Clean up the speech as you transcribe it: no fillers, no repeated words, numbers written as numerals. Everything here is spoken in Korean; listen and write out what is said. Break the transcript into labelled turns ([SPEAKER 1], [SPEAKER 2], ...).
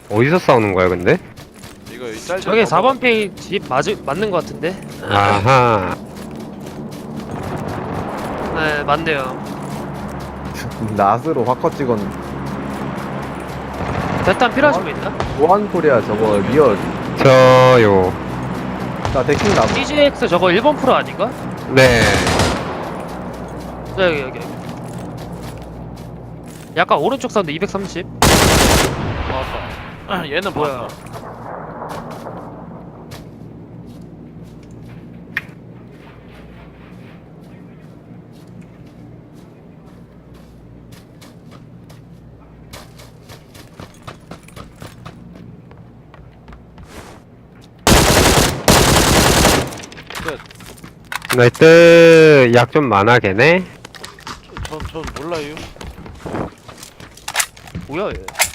[SPEAKER 1] 어디서 싸우는 거야 근데?
[SPEAKER 2] 이거 이 짤.
[SPEAKER 3] 저게 4번 페이 집 맞는 것 같은데?
[SPEAKER 1] 아하.
[SPEAKER 3] 네, 맞네요.
[SPEAKER 4] 낫으로 확컷 찍었는데.
[SPEAKER 3] 대탄 필요하신 분 있나?
[SPEAKER 4] 보안코리아 저거 리얼.
[SPEAKER 1] 저요.
[SPEAKER 4] 나 데킹 남.
[SPEAKER 3] TGX 저거 1번 프로 아닌가?
[SPEAKER 1] 네.
[SPEAKER 3] 여기. 약간 오른쪽 사운드 230.
[SPEAKER 2] 봤다. 얘는
[SPEAKER 3] 뭐야?
[SPEAKER 2] 봤다.
[SPEAKER 1] 나이트 약 좀 많아 걔네.
[SPEAKER 2] 전 몰라요.
[SPEAKER 3] 뭐야 얘?